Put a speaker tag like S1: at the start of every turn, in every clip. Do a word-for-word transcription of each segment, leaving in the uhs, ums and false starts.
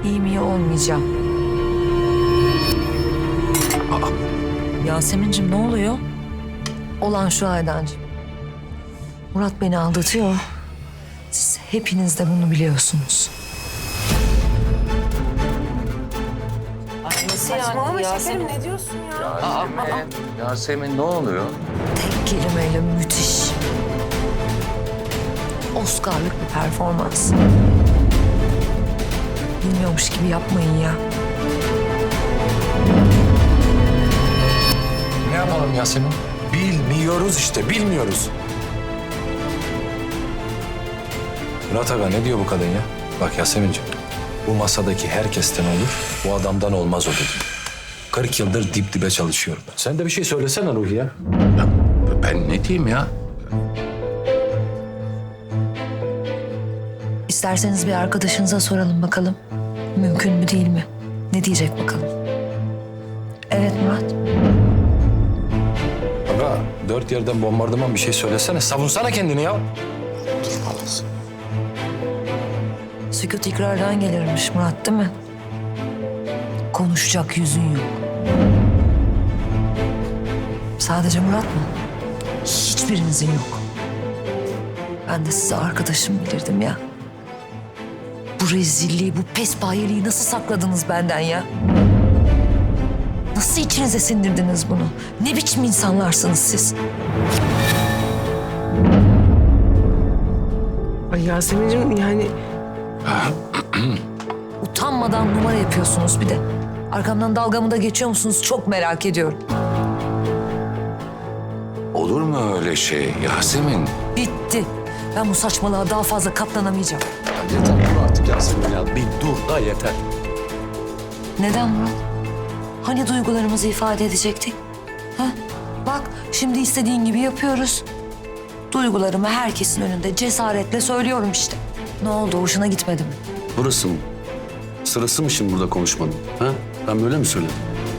S1: İyi mi iyi olmayacağım.
S2: Aa,
S1: Yasemin'cim ne oluyor? Olan şu Aydancığım. Murat beni aldatıyor. Siz hepiniz de bunu biliyorsunuz.
S3: Saçmalama şekerim, ne diyorsun ya?
S2: Yasemin, Yasemin ne oluyor?
S1: Tek kelimeyle müthiş. Oscar'lık bir performans. Bilmiyormuş gibi yapmayın ya.
S2: Ne yapalım Yasemin?
S4: Bilmiyoruz işte, bilmiyoruz.
S2: Murat Aga ne diyor bu kadın ya? Bak Yasemin'ciğim, bu masadaki herkesten olur, bu adamdan olmaz o dedi. kırk yıldır dip dibe çalışıyorum ben. Sen de bir şey söylesene Ruhi ya. Ya ben ne diyeyim ya?
S1: İsterseniz bir arkadaşınıza soralım bakalım. Mümkün mü değil mi? Ne diyecek bakalım. Evet Murat.
S2: Aga dört yerden bombardıman bir şey söylesene. Savunsana kendini ya.
S1: Sükut ikrardan gelirmiş Murat, değil mi? Konuşacak yüzün yok. Sadece Murat mı? Hiçbirinizin yok. Ben de size arkadaşım bilirdim ya. Bu rezilliği, bu pespayeliği nasıl sakladınız benden ya? Nasıl içinize sindirdiniz bunu? Ne biçim insanlarsınız siz?
S3: Ay Yasemin'cim yani
S1: Utanmadan numara yapıyorsunuz bir de. Arkamdan dalgamı da geçiyor musunuz? Çok merak ediyorum.
S2: Olur mu öyle şey Yasemin?
S1: Bitti. Ben bu saçmalığa daha fazla katlanamayacağım.
S4: Yeter dur artık Yasemin ya. Bir dur da yeter.
S1: Neden Murat? Hani duygularımızı ifade edecektik? Ha? Bak şimdi istediğin gibi yapıyoruz. Duygularımı herkesin önünde cesaretle söylüyorum işte. Ne oldu? Hoşuna gitmedi mi?
S4: Burası mı? Sırası mı şimdi burada konuşmanın? Ha? Ben böyle mi söyledim?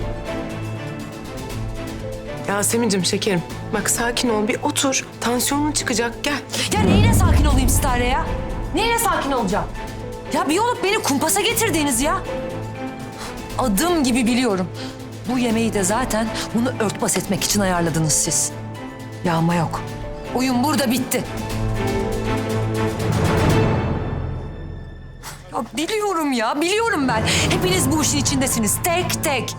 S3: Yasemin'cim şekerim. Bak sakin ol, bir otur. Tansiyonun çıkacak, gel.
S1: Ya neyle sakin olayım Stare ya? Neyle sakin olacağım? Ya bir olup beni kumpasa getirdiniz ya. Adım gibi biliyorum. Bu yemeği de zaten bunu örtbas etmek için ayarladınız siz. Yağma yok. Oyun burada bitti. Ya biliyorum ya, biliyorum ben. Hepiniz bu işin içindesiniz, tek tek.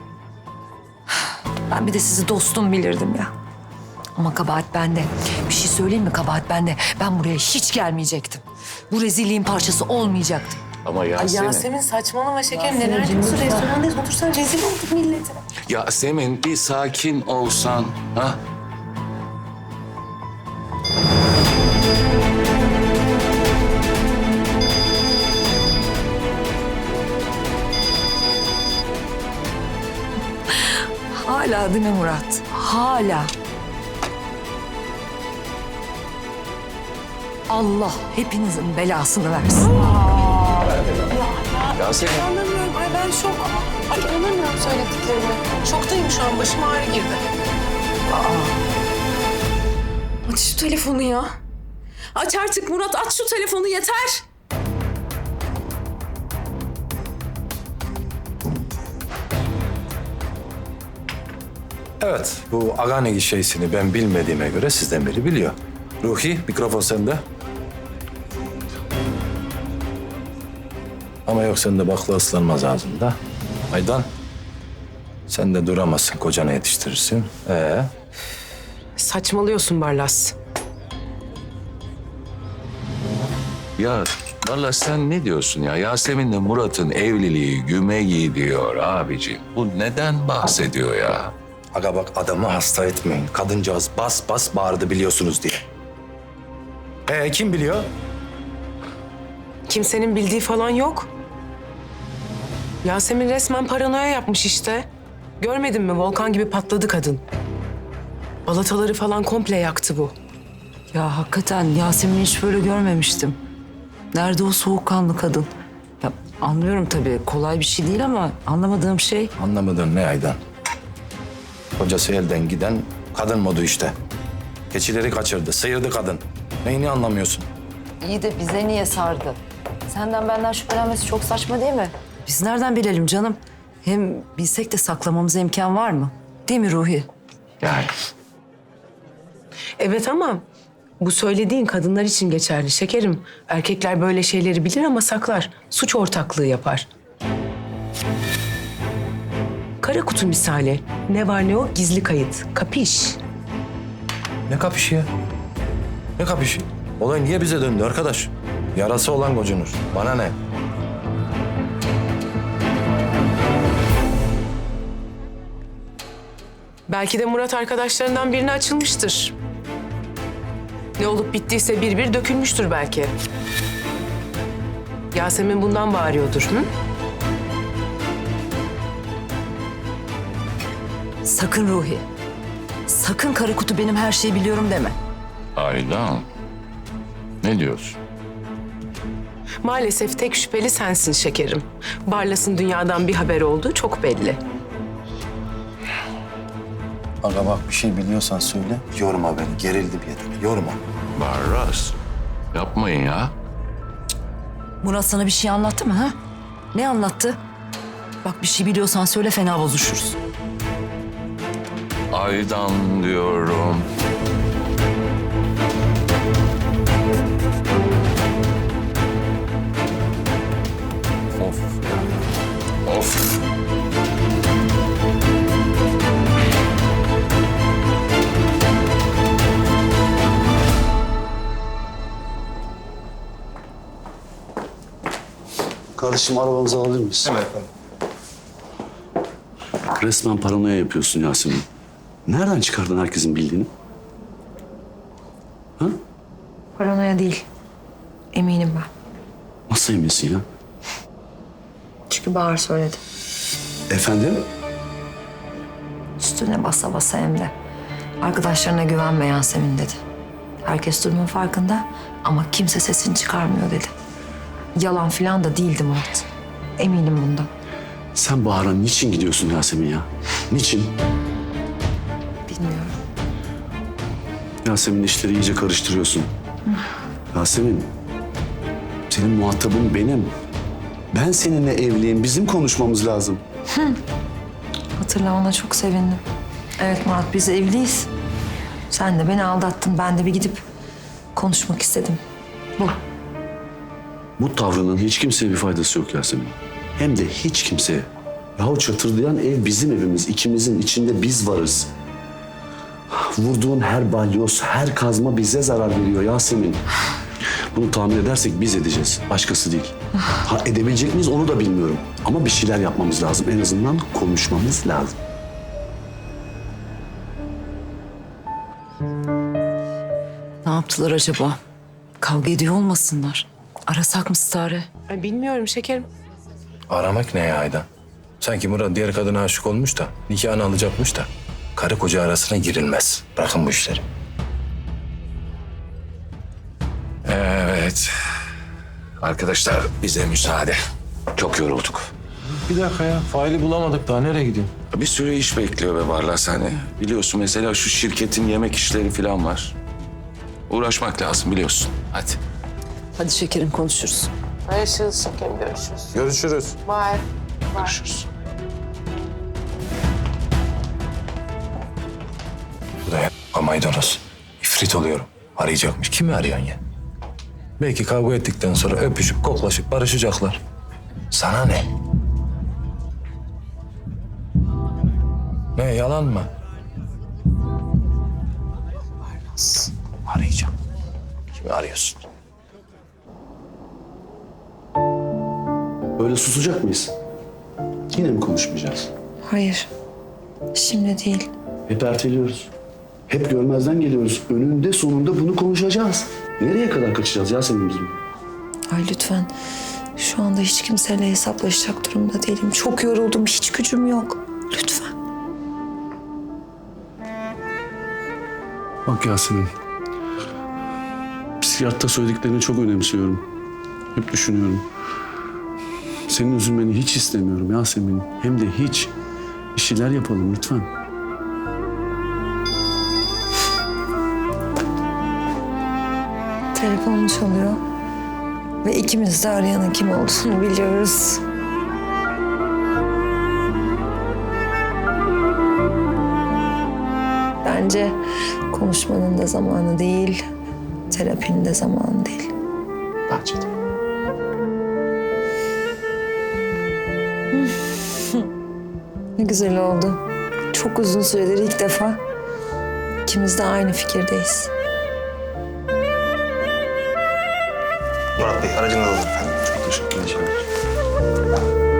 S1: Ben bir de sizi dostum bilirdim ya. Ama kabahat bende. Bir şey söyleyeyim mi, kabahat bende. Ben buraya hiç gelmeyecektim. Bu rezilliğin parçası olmayacaktım.
S2: Ama
S3: Ay
S2: Yasemin.
S3: Yasemin saçmalama şekerim. Neler diyorsun? Restorandayız, otursan rezil olduk millete.
S2: Yasemin bir sakin olsan. Ha?
S1: Hala değil mi Murat? Hala. Allah hepinizin belasını versin.
S2: Yasemin.
S3: Anlamıyorum. Ay ben şok. Ay anlamıyorum söylediklerimi. Şoktayım şu an. Başıma ağrı girdi. Aç şu telefonu ya. Aç artık Murat. Aç şu telefonu yeter.
S2: Evet, bu Aganegi şeysini ben bilmediğime göre sizden biri biliyor. Ruhi, mikrofon sende. Ama yok sende bakla ıslanmaz ağzında. Aydan, sen de duramazsın, kocana yetiştirirsin. Ee,
S3: Saçmalıyorsun Barlas.
S2: ya vallahi sen ne diyorsun ya? Yasemin'le Murat'ın evliliği güme gidiyor abiciğim. Bu neden bahsediyor ya?
S4: Aga bak adamı hasta etmeyin. Kadıncağız bas bas bağırdı biliyorsunuz diye. Ee kim biliyor?
S3: Kimsenin bildiği falan yok. Yasemin resmen paranoya yapmış işte. Görmedin mi? Volkan gibi patladı kadın. Balataları falan komple yaktı bu.
S1: Ya hakikaten Yasemin'i hiç böyle görmemiştim. Nerede o soğukkanlı kadın? Ya anlıyorum tabii kolay bir şey değil ama anlamadığım şey...
S2: Anlamadın ne Aydan?
S4: Kocası elden giden kadın modu işte. Keçileri kaçırdı, sıyırdı kadın. Neyini anlamıyorsun?
S1: İyi de bize niye sardı?
S5: Senden benden şüphelenmesi çok saçma değil mi? Biz nereden bilelim canım? Hem bilsek de saklamamıza imkan var mı? Değil mi Ruhi?
S4: Yani
S3: Evet ama bu söylediğin kadınlar için geçerli şekerim. Erkekler böyle şeyleri bilir ama saklar. Suç ortaklığı yapar. Kara kutu misali. Ne var ne yok gizli kayıt. Kapiş.
S4: ne kapışı ya? Ne kapışı? Olay niye bize döndü arkadaş? Yarası olan gocunur. Bana ne?
S3: Belki de Murat arkadaşlarından birine açılmıştır. Ne olup bittiyse bir bir dökülmüştür belki. Yasemin bundan bağırıyordur. Hı?
S5: Sakın Ruhi. Sakın kara kutu benim her şeyi biliyorum deme.
S6: Aydan. Ne diyorsun?
S3: Maalesef tek şüpheli sensin şekerim. Barlas'ın dünyadan bir haber olduğu çok belli.
S4: Aga bak bir şey biliyorsan söyle. Yorma beni. Gerildim yeter. Yorma.
S6: Barras. Yapmayın ya.
S5: Murat sana bir şey anlattı mı ha? Ne anlattı? Bak bir şey biliyorsan söyle fena bozuşuruz.
S6: Aydan diyorum. Of. Of.
S7: Kardeşim arabanızı alabilir miyiz? Evet efendim. Resmen paranoya yapıyorsun Yasemin. Nereden çıkardın herkesin bildiğini? Ha?
S1: Paranoya değil. Eminim ben.
S7: Nasıl eminsin ya?
S1: Çünkü Bahar söyledi.
S7: Efendim?
S1: Üstüne basa basa hem de. Arkadaşlarına güvenme Yasemin dedi. Herkes durumun farkında ama kimse sesini çıkarmıyor dedi. Yalan falan da değildi Murat. Eminim bundan.
S7: Sen Bahar'a niçin gidiyorsun Yasemin ya? Niçin?
S1: Bilmiyorum.
S7: Yasemin işleri iyice karıştırıyorsun. Yasemin, senin muhatabın benim. Ben seninle evliyim. Bizim konuşmamız lazım.
S1: Hatırlamana çok sevindim. Evet Murat, biz evliyiz. Sen de beni aldattın. Ben de bir gidip konuşmak istedim. Bu.
S7: Bu tavrının hiç kimseye bir faydası yok Yasemin. Hem de hiç kimseye. Yahu çatırdayan ev bizim evimiz. İkimizin içinde biz varız. Vurduğun her balyoz, her kazma bize zarar veriyor Yasemin. Bunu tahmin edersek biz edeceğiz. Başkası değil. Ha edebilecek miyiz onu da bilmiyorum. Ama bir şeyler yapmamız lazım. En azından konuşmamız lazım.
S5: Ne yaptılar acaba? Kavga ediyor olmasınlar. Arasak mı Stare?
S3: Ay, bilmiyorum şekerim.
S2: Aramak ne ya Aydan? Sanki Murat diğer kadına aşık olmuş da nikahını alacakmış da karı koca arasına girilmez. Bırakın bu işleri.
S6: Evet. Arkadaşlar bize müsaade. Çok yorulduk.
S2: Bir dakika ya. Faili bulamadık daha. Nereye gideyim?
S6: Bir sürü iş bekliyor be Barlas hani. Biliyorsun mesela şu şirketin yemek işleri falan var. Uğraşmak lazım biliyorsun. Hadi.
S5: Hadi şekerim konuşuruz.
S3: Görüşürüz şekerim, görüşürüz.
S2: Görüşürüz.
S3: Bye.
S6: Görüşürüz.
S2: Bu da ya maydanoz. İfrit oluyorum. Arayacakmış. Kimi arayan ya? Belki kavga ettikten sonra öpüşüp koklaşıp barışacaklar. Sana ne? Ne yalan mı? Arayacağım. Kimi arıyorsun?
S7: Böyle susacak mıyız? Yine mi konuşmayacağız?
S1: Hayır. Şimdi değil.
S7: Hep erteliyoruz. Hep görmezden geliyoruz. Önünde sonunda bunu konuşacağız. Nereye kadar kaçacağız Yasemin bizim?
S1: Ay lütfen. Şu anda hiç kimseyle hesaplaşacak durumda değilim. Çok yoruldum. Hiç gücüm yok. Lütfen.
S7: Bak Yasemin. Psikiyatta söylediklerini çok önemsiyorum. Hep düşünüyorum. Senin üzülmeni hiç istemiyorum Yasemin. Hem de hiç. Bir şeyler yapalım lütfen.
S1: Telefonum çalıyor. Ve ikimiz de arayanın kim olduğunu biliyoruz. Bence konuşmanın da zamanı değil, terapinin de zamanı değil.
S7: Bence de.
S1: Ne güzel oldu. Çok uzun süredir ilk defa ikimiz de aynı fikirdeyiz.
S8: Murat Bey aracınız hazır efendim.
S7: Çok teşekkür ederim.